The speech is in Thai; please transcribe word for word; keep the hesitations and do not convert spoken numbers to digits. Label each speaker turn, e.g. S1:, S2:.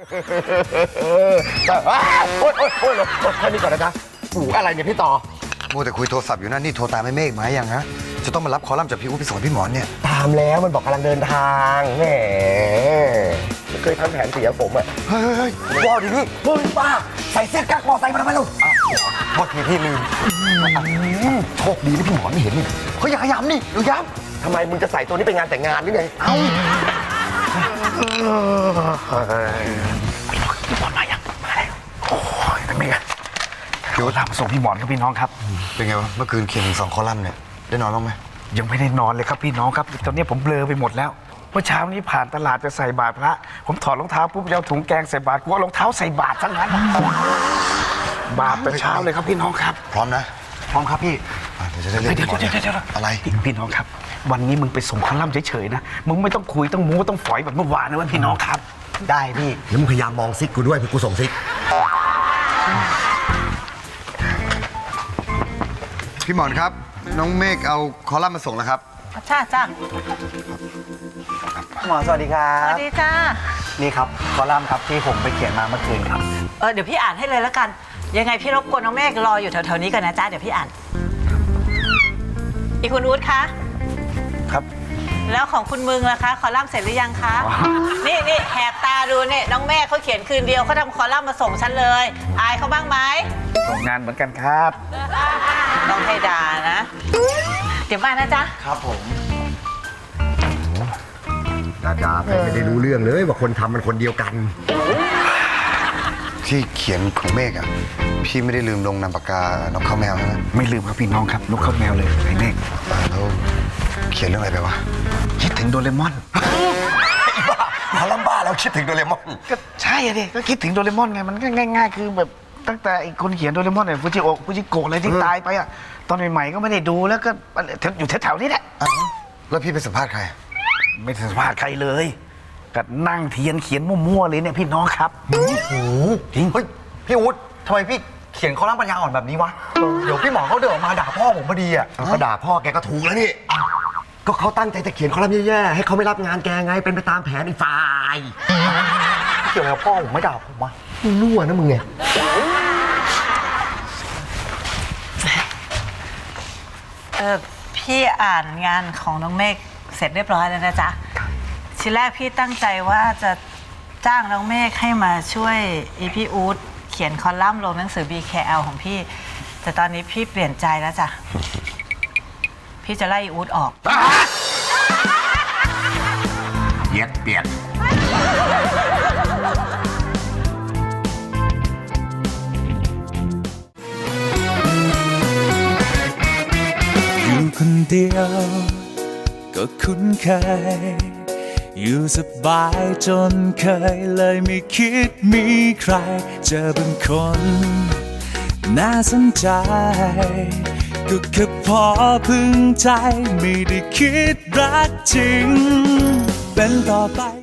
S1: โอ๊ยโอ๊ยโอ๊ยแค่นี้ก่อนนะจ๊ะหูอะไรเนี่ยพี่ต่อ
S2: มัวแต่คุยโทรศัพท์อยู่นั่นนี่โทรตามไอ้เมฆมายังฮะจะต้องมารับคอลัมน์จากพี่อุ๊บไปส่งพี่หมอนเนี่ย
S1: ตามแล้วมันบอกกำลังเดินทางแหมไม่เคยทำแผนเสียผมอ่ะ
S2: เฮ้ยเฮ้ยว้าวดิพี่
S1: เฮ้ยป้าใส่เสื้อกั๊กมอไซค์มาทำไมลูก
S2: โทษทีพี่ลืม
S1: โชคดีที่พี่หมอนไม่เห็นนี่
S2: เขาอยากย้ำนี่ดูย้
S1: ำทำไมมึงจะใส่ตัวนี้ไปงานแต่งงานหรือไงเอ้า
S3: พี่หมอนมายังมาแล้วโอ้ยเป็นไงเดี๋ยวตามมาส่งพี่หมอนครับพี่น้องครับ
S2: เป็นไงวะเมื่อคืนเขียนถึงสองคอลัมน์เนี่ยได้นอนบ้างไหม
S3: ยังไม่ได้นอนเลยครับพี่น้องครับตอนนี้ผมเบลอไปหมดแล้วเมื่อเช้านี้ผ่านตลาดจะใส่บาตรพระผมถอดรองเท้าปุ๊บจะเอาถุงแกงใส่บาตรกูเอารองเท้าใส่บาตรซะงั้นบาปแต่เช้าเลยครับพี่น้องครับ
S2: พร้อมนะ
S3: พร้อมครับพี่
S2: เดี๋ยวจะได้เรียก
S3: เดี๋ยวเดี๋ยวเดี๋ยว
S2: อะไร
S3: พี่น้องครับวันนี้มึงไปส่งคอลัมน์เฉยๆนะมึงไม่ต้องคุยต้องมูต้องฝอยแบบเมื่อวานนะพี่น้องครับ
S1: ได้พี่แล้วมึงพยายามมองซิกกูด้วยพี่กูส่งซิก
S2: พี่หมอนครับน้องเมฆเอาคอลัมน์มาส่งแล้วครับ
S4: จ้าจ้า
S5: หมอสวัสดีครั
S4: ส
S5: บ
S4: วัสดีจ้า
S5: นี่ครับคอลัมน์ครับที่ผมไปเขียนมาเมื่อคืนครับ
S4: เออเดี๋ยวพี่อ่านให้เลยแล้วกันยังไงพี่รบกวนน้องเมฆรออยู่แถวๆนี้กันนะจ้าเดี๋ยวพี่อ่านอีกคุณอู๊ดคะ
S5: ครับ
S4: แล้วของคุณมึงล่ะคะคอลัมน์เสร็จหรือยังคะนี่นี่แหกตาดูเนี่ยน้องเมฆเขาเขียนคืนเดียวเขาทำคอลัมน์มาส่งฉันเลยอายเขาบ้างไหม
S3: ส่งงานเหมือนกันครับ
S4: ต้องให้ด่านะเดี๋ยวมานะจ๊ะ
S5: ครับผม
S1: ดาดาไม่ได้รู้เรื่องเลยว่าคนทำมันคนเดียวกัน
S2: ที่เขียนของเมฆอ่ะพี่ไม่ได้ลืมลงนามปากกานกข้าวแมวใช่ไหม
S3: ไม่ลืมครับพี่น้องครับนกข้าวแมวเลยไอ้เมฆ
S2: แล้วเขียนเรื่องอะไรไปวะ
S3: คิดถึงโดเรมอน
S1: คอลัมน์บ้าแล้วคิดถึงโดเรมอน
S3: ก็ใช่อะดิก็คิดถึงโดเรมอนไงมันก็ง่ายๆคือแบบตั้งแต่ไอ้คนเขียนโดเรมอนเนี่ยฟูจิโอะฟูจิโกะอะไรที่ตายไปอ่ะตอนใหม่ๆก็ไม่ได้ดูแล้วก็อยู่แถวๆนี้แหละ
S2: แล้วพี่ไปสัมภาษณ์ใคร
S3: ไม่สัมภาษณ์ใครเลยก็นั่งเทียนเขียนมั่วๆเลยเนี่ยพี่น้องครับ
S5: โอ้โหจริงเฮ้ยพี่อุ๊ดทำไมพี่เขียนคอลัมน์ปัญญาอ่อนแบบนี้วะเดี๋ยวพี่หมอเขาเดินออกมาด่าพ่อผมพอดีอ่ะ
S1: ก็ด่าพ่อแกก็ถูกแล้วนี่ก็เขาตั้งใจจะเขียนคอลัมน์แย่ๆให้เขาไม่รับงานแกไงเป็นไปตามแผนไอ้ฝ่าย
S5: เกี่ยวอะไรกับพ่อผมไม่ด่าผมวะ
S1: มึงรั่วนะมึงไง
S4: เออพี่อ่านงานของน้องเมฆเสร็จเรียบร้อยแล้วนะจ๊ะทีแรกพี่ตั้งใจว่าจะจ้างน้องเมฆให้มาช่วยอีพี่อู๊ดเขียนคอลัมน์ลงหนังสือ บี เค แอล ของพี่แต่ตอนนี้พี่เปลี่ยนใจแล้วจ้ะพี่จะไล่อีอู๊ดออก
S1: เย็ดเปลี่ยน
S6: อยู่คนเดียวก็คุ้นเคยอยู่สบายจนเคยเลยไม่คิดมีใครเจอเป็นคนน่าสนใจก็แค่พอพึงใจไม่ได้คิดรักจริงเป็นต่อไป